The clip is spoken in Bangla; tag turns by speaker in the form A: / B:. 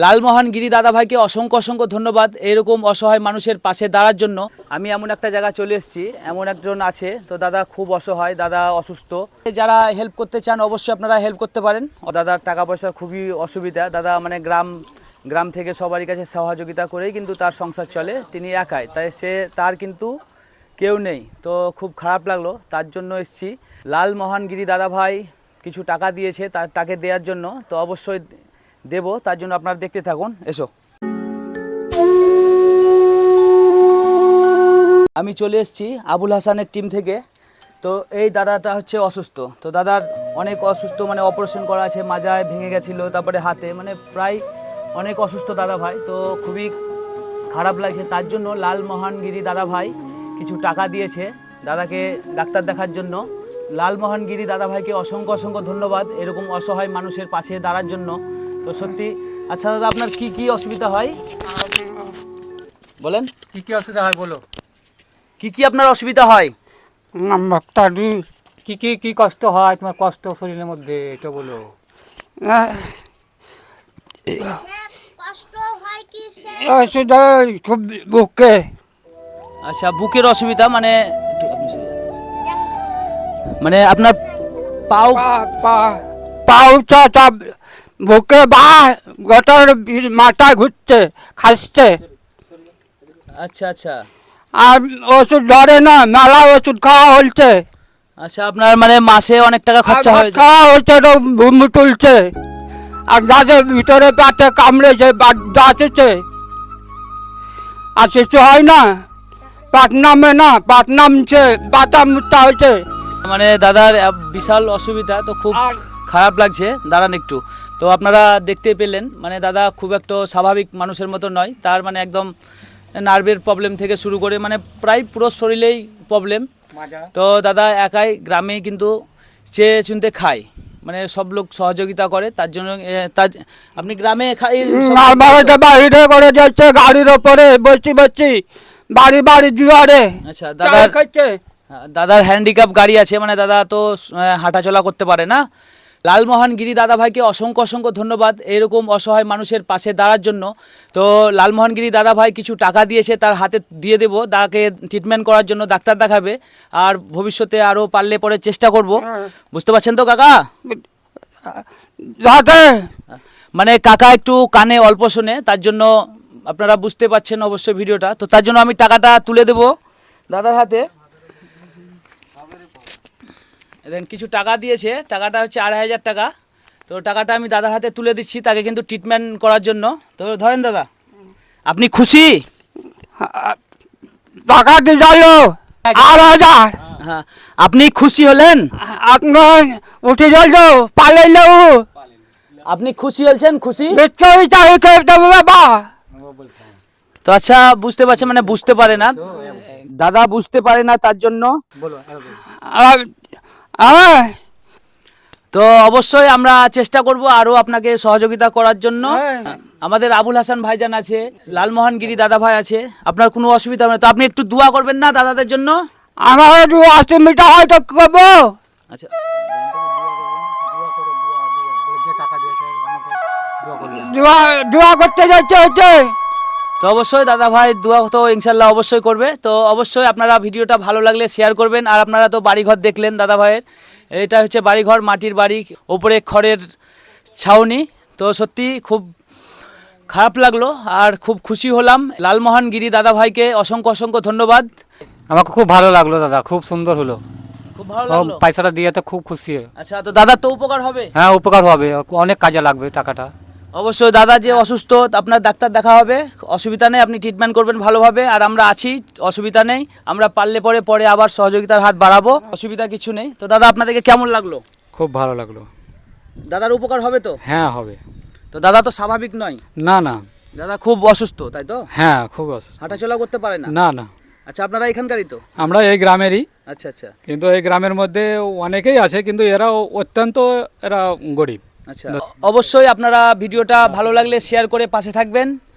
A: লালমোহন গিরি দাদা ভাইকে অসংখ্য অসংখ্য ধন্যবাদ এরকম অসহায় মানুষের পাশে দাঁড়ার জন্য। আমি এমন একটা জায়গা চলে এসেছি, এমন একজন আছে, তো দাদা খুব অসহায়, দাদা অসুস্থ। যারা হেল্প করতে চান অবশ্যই আপনারা হেল্প করতে পারেন। দাদার টাকা পয়সা খুবই অসুবিধা, দাদা মানে গ্রাম থেকে সবারই কাছে সহযোগিতা করেই কিন্তু তার সংসার চলে, তিনি একাই, তাই তার কিন্তু কেউ নেই। তো খুব খারাপ লাগলো, তার জন্য এসেছি। লালমোহন গিরি দাদা ভাই কিছু টাকা দিয়েছে তাকে দেওয়ার জন্য, তো অবশ্যই দেব, তার জন্য আপনারা দেখতে থাকুন। এসো, আমি চলে এসেছি আবুল হাসানের টিম থেকে। তো এই দাদাটা হচ্ছে অসুস্থ, তো দাদার অনেক অসুস্থ, মানে অপারেশন করা আছে, মাজায় ভেঙে গেছিলো, তারপরে হাতে, মানে প্রায় অনেক অসুস্থ দাদা ভাই। তো খুবই খারাপ লাগছে, তার জন্য লালমোহন গিরি দাদা ভাই কিছু টাকা দিয়েছে দাদাকে ডাক্তার দেখার জন্য। লালমোহন গিরি দাদা ভাইকে অসংখ্য অসংখ্য ধন্যবাদ এরকম অসহায় মানুষের পাশে দাঁড়ার জন্য। তো সত্যি। আচ্ছা দাদা, আপনার কি কি অসুবিধা হয় বলেন?
B: কি কি অসুবিধা হয় বলো?
A: কি কি আপনার অসুবিধা হয়?
B: কি কি কি কষ্ট হয় তোমার, কষ্ট শরীরের মধ্যে এটা বলো।
C: কষ্ট হয় কি
B: খুব বুকে।
A: আচ্ছা, বুকের অসুবিধা, মানে মানে আপনার
B: পাউটা বুকে বা গোটার মাথা ঘুরছে, খাচ্ছে।
A: আচ্ছা আচ্ছা
B: আর ওষুধ ধরে না, মেলা ওষুধ খাওয়া হচ্ছে।
A: আচ্ছা, আপনার মানে মাসে অনেক টাকা খরচা হয়ে যায়।
B: খাওয়া হচ্ছে তো ভূমি তুলছে, আর যাদের ভিতরে পেটে কামড়েছে যাচ্ছে, আর কিছু হয় না, পাট নামে না, পাট নামছে, বাতাম মুক্তা হয়েছে।
A: মানে দাদার বিশাল অসুবিধা, তো খুব খারাপ লাগছে। দাঁড়ান একটু। তো আপনারা দেখতে পেলেন, মানে দাদা খুব একটা স্বাভাবিক মানুষের মতো নয়, তার মানে একদম নার্ভের প্রবলেম থেকে শুরু করে মানে প্রায় পুরো শরীরেই প্রবলেম। তো দাদা একাই গ্রামে কিন্তু চেয়ে চুনতে খায়, মানে সব লোক সহযোগিতা করে, তার জন্য আপনি গ্রামে
B: বাইরে করে যাচ্ছে গাড়ির ওপরে বসি বসি, বাড়ি বাড়ি জুয়ারে।
A: আচ্ছা, দাদার হ্যান্ডিক্যাপ গাড়ি আছে, মানে দাদা তো হাঁটাচলা করতে পারে না। লালমোহন গিরি দাদা ভাইকে অসংখ্য অসংখ্য ধন্যবাদ এরকম অসহায় মানুষের পাশে দাঁড়ার জন্য। তো লালমোহন গিরি দাদা ভাই কিছু টাকা দিয়েছে, তার হাতে দিয়ে দেবো, দাদাকে ট্রিটমেন্ট করার জন্য ডাক্তার দেখাবে, আর ভবিষ্যতে আরও পারলে পরে চেষ্টা করব। বুঝতে পারছেন তো কাকা? মানে কাকা একটু কানে অল্প শোনে, তার জন্য আপনারা বুঝতে পারছেন অবশ্যই ভিডিওটা। তো তার জন্য আমি টাকাটা তুলে দেব দাদার হাতে। দেন কিছু টাকা দিয়েছে, টাকাটা হচ্ছে 2,500 টাকা। তো টাকাটা আমি দাদার হাতে তুলে দিচ্ছি, তাকে কিন্তু ট্রিটমেন্ট করার জন্য। তো ধরেন দাদা, আপনি খুশি?
B: টাকা দিয়ে গেল 8,000।
A: হ্যাঁ, আপনি খুশি হলেন?
B: আপনার উঠে গেল পালাইল,
A: আপনি খুশি হয়েছেন? খুশি?
B: বাবা
A: তো আচ্ছা, বুঝতে পারছেন, মানে বুঝতে পারে না দাদা, বুঝতে পারে না, তার জন্য। তো অবশ্যই আমরা চেষ্টা করব আরও আপনাকে সহযোগিতা করার জন্য। আমাদের আবুল হাসান ভাইজান আছে, লালমোহন গিরি দাদা ভাই আছে, আপনার কোনো অসুবিধা হবে না। তো আপনি একটু দোয়া করবেন না দাদাদের জন্য?
B: আমার একটু 80 মিটার হয়তো করবো।
A: আচ্ছা,
B: দোয়া করতে যাচ্ছে হচ্ছে।
A: তো অবশ্যই দাদা ভাই দোয়া তো ইনশাল্লাহ অবশ্যই করবে। তো অবশ্যই আপনারা ভিডিওটা ভালো লাগলে শেয়ার করবেন। আর আপনারা তো বাড়িঘর দেখলেন দাদা ভাইয়ের, এটা হচ্ছে বাড়িঘর, মাটির বাড়ি, ওপরে খড়ের ছাউনি। তো সত্যি খুব খারাপ লাগলো আর খুব খুশি হলাম। লালমোহন গিরি দাদা ভাইকে অসংখ্য অসংখ্য ধন্যবাদ।
B: আমাকে খুব ভালো লাগলো দাদা, খুব সুন্দর হলো,
A: খুব ভালো লাগলো।
B: পয়সাটা দিয়ে তো খুব খুশি।
A: আচ্ছা, তো দাদার তো উপকার হবে?
B: হ্যাঁ, উপকার হবে, অনেক কাজে লাগবে টাকাটা।
A: অবশ্যই দাদা যে অসুস্থ, আপনার ডাক্তার দেখা হবে, অসুবিধা নেই, আপনি ট্রিটমেন্ট করবেন ভালোভাবে, আর আমরা আছি, অসুবিধা নেই, আমরা পারলে পরে আবার সহযোগিতার হাত বাড়াবো, অসুবিধা কিছু নেই। তো দাদা আপনাদেরকে কেমন লাগলো?
B: খুব ভালো লাগলো।
A: দাদার উপকার হবে তো?
B: হ্যাঁ হবে।
A: তো দাদা তো স্বাভাবিক নয়?
B: না না,
A: দাদা খুব অসুস্থ, তাই তো?
B: হ্যাঁ খুব অসুস্থ,
A: হাঁটাচলা করতে পারে না?
B: না না।
A: আচ্ছা, আপনারা এখানকারই তো?
B: আমরা এই গ্রামেরই।
A: আচ্ছা আচ্ছা।
B: কিন্তু এই গ্রামের মধ্যে অনেকেই আছে, কিন্তু এরা অত্যন্ত গরিব।
A: আচ্ছা, অবশ্যই আপনারা ভিডিওটা ভালো লাগলে শেয়ার করে পাশে থাকবেন।